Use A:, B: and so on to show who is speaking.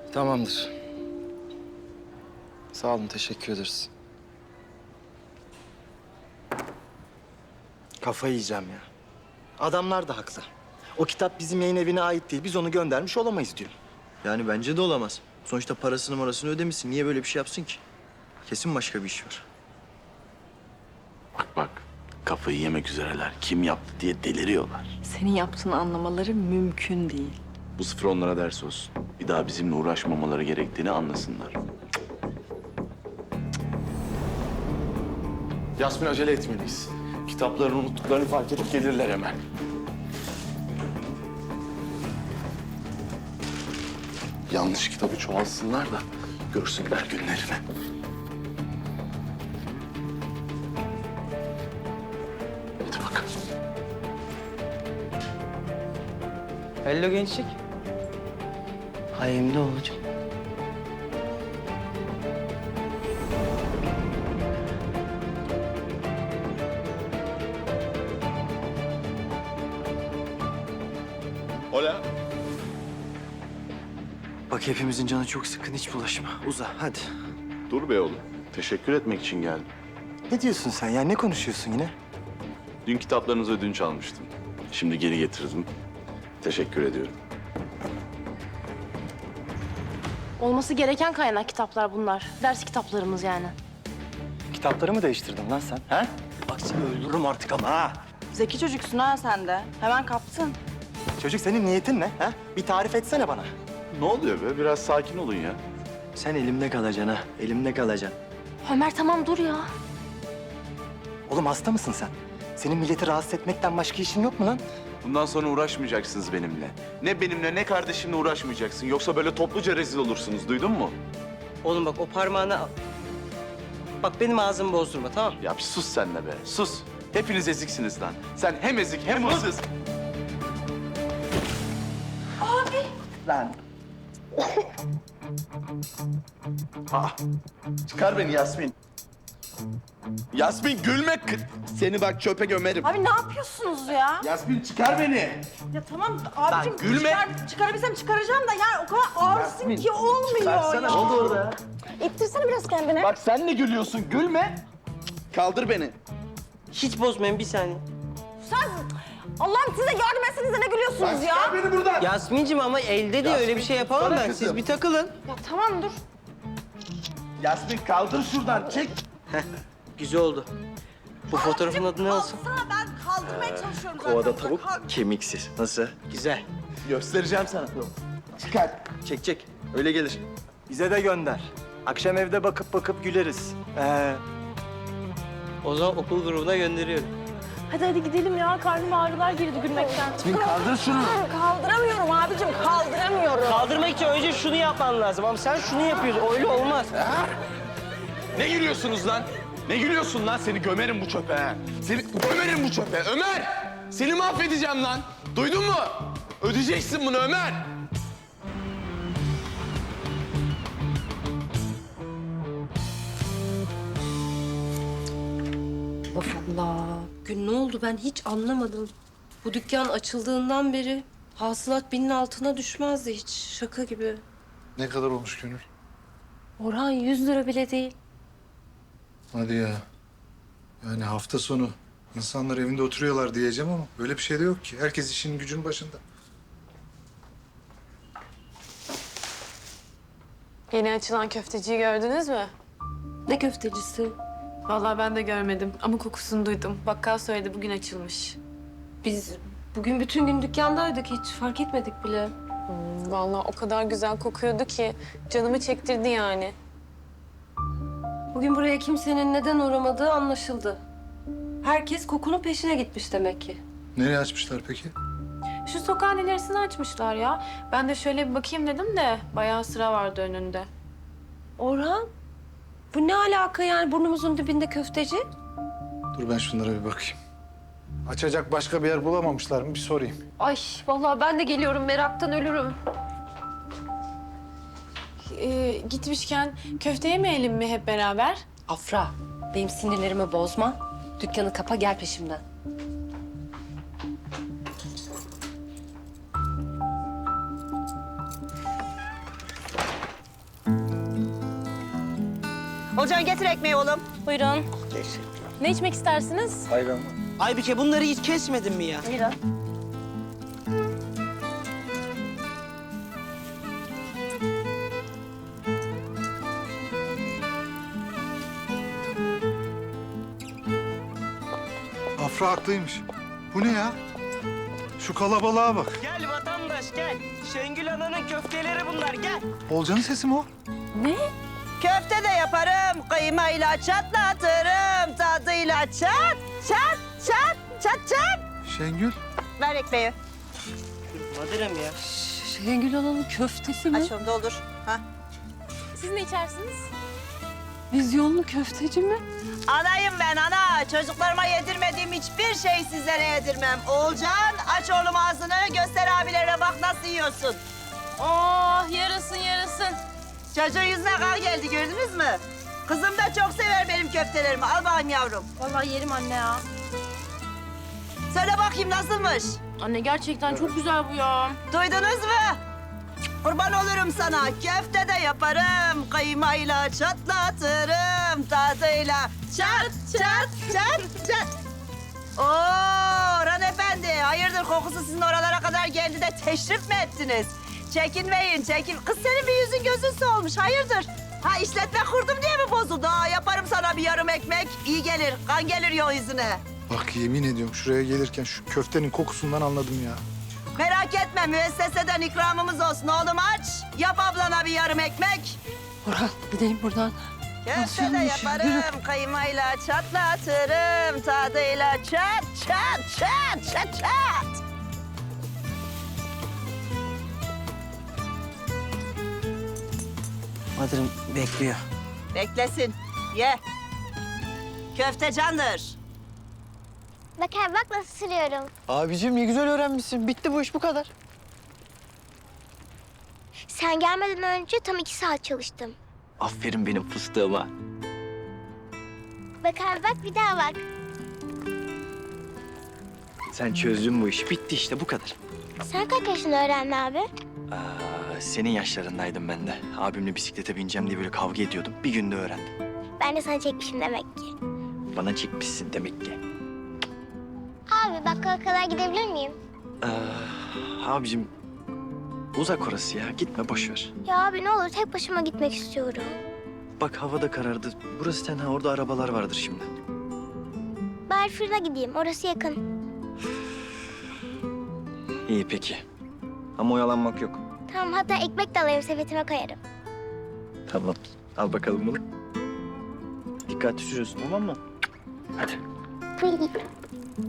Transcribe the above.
A: Tamamdır. Sağ olun, teşekkür ederiz. Kafayı yiyeceğim ya. Adamlar da haklı. O kitap bizim yayın evine ait değil. Biz onu göndermiş olamayız diyor.
B: Yani bence de olamaz. Sonuçta parasını ödemişsin. Niye böyle bir şey yapsın ki? Kesin başka bir iş var.
C: Bak, kafayı yemek üzereler. Kim yaptı diye deliriyorlar.
D: Senin yaptığını anlamaları mümkün değil.
C: Bu sıfır onlara ders olsun. Bir daha bizimle uğraşmamaları gerektiğini anlasınlar. Yasmin, acele etmeliyiz. Kitaplarını unuttuklarını fark edip gelirler hemen. Yanlış kitabı çoğalsınlar da görsünler günlerini. Hadi bakalım.
E: Hello gençlik. Hayımda olacak.
C: Hola.
B: Bak hepimizin canı çok sıkkın. Hiç bulaşma. Uza hadi.
C: Dur be oğlum. Teşekkür etmek için geldim.
A: Ne diyorsun sen ya? Ne konuşuyorsun yine?
C: Dün kitaplarınızı ödünç almıştım. Şimdi geri getirdim. Teşekkür ediyorum.
F: Olması gereken kaynak kitaplar bunlar. Ders kitaplarımız yani.
A: Kitapları mı değiştirdin lan sen? Ha? Bak seni öldürürüm artık ama ha.
D: Zeki çocuksun ha sen de. Hemen kaptın.
A: Çocuk senin niyetin ne? Ha? Bir tarif etsene bana.
C: Ne oluyor be? Biraz sakin olun ya.
B: Sen elimde kalacaksın ha. Elimde kalacaksın.
F: Ömer tamam dur ya.
A: Oğlum hasta mısın sen? Senin milleti rahatsız etmekten başka işin yok mu lan?
C: Bundan sonra uğraşmayacaksınız benimle. Ne benimle ne kardeşimle uğraşmayacaksın. Yoksa böyle topluca rezil olursunuz. Duydun mu?
E: Oğlum bak o parmağını al. Bak benim ağzımı bozdurma tamam mı?
C: Ya bir sus sen de be. Sus. Hepiniz eziksiniz lan. Sen hem ezik hem hırsız.
A: Lan.
C: Çıkar beni Yasmin. Yasmin gülme. Seni bak çöpe gömerim.
D: Abi ne yapıyorsunuz ya?
C: Yasmin çıkar beni.
D: Ya tamam abicim
C: gülme.
D: çıkarabilsem çıkaracağım da yani o kadar ağırsın ki olmuyor ya.
C: Ne oldu orada?
F: İttirsene biraz kendini.
C: Bak sen ne gülüyorsun? Gülme. Kaldır beni.
E: Hiç bozmayın bir saniye.
D: Sen Allah'ım size yardım etsenize ne gülüyorsunuz ya?
C: Çıkar beni buradan.
E: Yasmin'cim ama elde diye öyle bir şey yapamam
C: tutsana
E: ben.
C: kızım.
E: Siz bir takılın.
D: Ya tamam dur.
C: Yasmin kaldır şuradan. Çek.
E: Güzel oldu. Bu fotoğrafın adı ne olsun?
D: Sana ben kaldırmaya çalışıyorum
B: Kovada tavuk kemiksiz. Nasıl?
E: Güzel.
C: Göstereceğim sana. Çıkar.
B: Çek. Öyle gelir.
A: Bize de gönder. Akşam evde bakıp güleriz.
E: O zaman okul grubuna gönderiyorum.
F: Hadi gidelim ya. Karnım ağrılar girdi gülmekten.
C: Kaldır şunu.
D: Kaldıramıyorum abicim kaldıramıyorum.
E: Kaldırmak için önce şunu yapman lazım ama sen şunu yapıyorsun. Öyle olmaz.
C: Ne gülüyorsunuz lan? Ne gülüyorsun lan? Seni gömerim bu çöpe ha. Seni gömerim bu çöpe. Ömer! Seni mahvedeceğim lan. Duydun mu? Ödeyeceksin bunu Ömer.
G: Allah Allah. Gün ne oldu ben hiç anlamadım. Bu dükkan açıldığından beri hasılat 1000'in altına düşmezdi hiç. Şaka gibi.
H: Ne kadar olmuş Gönül?
G: Orhan 100 lira bile değil.
H: Hadi ya. Yani hafta sonu insanlar evinde oturuyorlar diyeceğim ama öyle bir şey de yok ki. Herkes işinin gücünün başında.
I: Yeni açılan köfteciyi gördünüz mü?
G: Ne köftecisi?
I: Vallahi ben de görmedim ama kokusunu duydum. Bakkal söyledi bugün açılmış.
G: Biz bugün bütün gün dükkandaydık hiç fark etmedik bile.
I: Vallahi o kadar güzel kokuyordu ki canımı çektirdi yani.
G: Bugün buraya kimsenin neden uğramadığı anlaşıldı. Herkes kokunun peşine gitmiş demek ki.
H: Nereye açmışlar peki?
I: Şu sokağın ilerisini açmışlar ya. Ben de şöyle bir bakayım dedim de bayağı sıra vardı önünde.
G: Orhan, bu ne alaka yani burnumuzun dibinde köfteci?
H: Dur ben şunlara bir bakayım. Açacak başka bir yer bulamamışlar mı bir sorayım.
G: Ay vallahi ben de geliyorum meraktan ölürüm.
I: Gitmişken köfte yemeyelim mi hep beraber?
G: Afra, benim sinirlerimi bozma. Dükkanı kapa gel peşimden.
J: Olcan getir ekmeği oğlum.
F: Buyurun. Ne içmek istersiniz?
E: Aybike bunları hiç kesmedin mi ya?
F: Buyurun.
H: Afra haklıymış. Bu ne ya? Şu kalabalığa bak.
E: Gel vatandaş gel. Şengül Ana'nın köfteleri bunlar gel.
H: Olcan'ın sesi mi o?
J: Köfte de yaparım, kıymayla çatlatırım, tadıyla çat, çat, çat, çat, çat.
H: Şengül.
J: Ver ekmeği.
E: Madırım ya.
G: Şengül Hanım'ın köftesi mi?
J: Aç onu doldur. Ha.
F: Siz ne içersiniz?
G: Vizyonlu köfteci mi?
J: Anayım ben ana. Çocuklarıma yedirmediğim hiçbir şey sizlere yedirmem. Oğulcan aç oğlum ağzını, göster abilerine bak nasıl yiyorsun.
F: Oh yarasın yarasın.
J: Çocuğun yüzüne kan geldi gördünüz mü? Kızım da çok sever benim köftelerimi. Al bakayım yavrum.
F: Vallahi yerim anne ya.
J: Söyle bakayım nasılmış?
F: Anne gerçekten çok güzel bu ya.
J: Duydunuz mu? Kurban olurum sana. Köfte de yaparım. Kıymayla çatlatırım. Tadıyla çat çat çat çat. Oo Orhan Efendi. Hayırdır kokusu sizin oralara kadar geldi de teşrif mi ettiniz? Çekinmeyin çekin. Kız senin bir yüzün gözün solmuş. Hayırdır? Ha işletme kurdum diye mi bozuldu? Ha, yaparım sana bir yarım ekmek. İyi gelir. Kan gelir yol yüzüne.
H: Bak yemin ediyorum şuraya gelirken şu köftenin kokusundan anladım ya.
J: Merak etme müesseseden ikramımız olsun oğlum aç. Yap ablana bir yarım ekmek.
G: Orhan gidelim buradan.
J: Köfte de yaparım kıymayla çatlatırım tadıyla çat çat çat çat çat.
E: Madırım bekliyor.
J: Beklesin ye. Köfte candır.
K: Bak abi bak nasıl sürüyorum.
B: Abicim ne güzel öğrenmişsin. Bitti bu iş bu kadar.
K: Sen gelmeden önce tam 2 saat çalıştım.
B: Aferin benim fıstığıma.
K: Bak abi bak bir daha bak.
B: Sen çözdün bu işi. Bitti işte bu kadar.
K: Sen kaç yaşında öğrendin abi?
B: Senin yaşlarındaydım ben de. Abimle bisiklete bineceğim diye böyle kavga ediyordum. Bir günde öğrendim.
K: Ben de sana çekmişim demek ki.
B: Bana çekmişsin demek ki.
K: Abi bakkala kadar gidebilir miyim?
B: Abicim uzak orası ya. Gitme boş ver.
K: Ya abi ne olur tek başıma gitmek istiyorum.
B: Bak hava da karardı. Burası tenha. Orada arabalar vardır şimdi.
K: Bari fırına gideyim orası yakın.
B: İyi peki. Ama oyalanmak yok.
K: Tamam hatta ekmek de alayım sepetime koyarım.
B: Tamam. Al bakalım bunu. Dikkatli sürüyorsun tamam mı? Hadi.
K: Buyurun.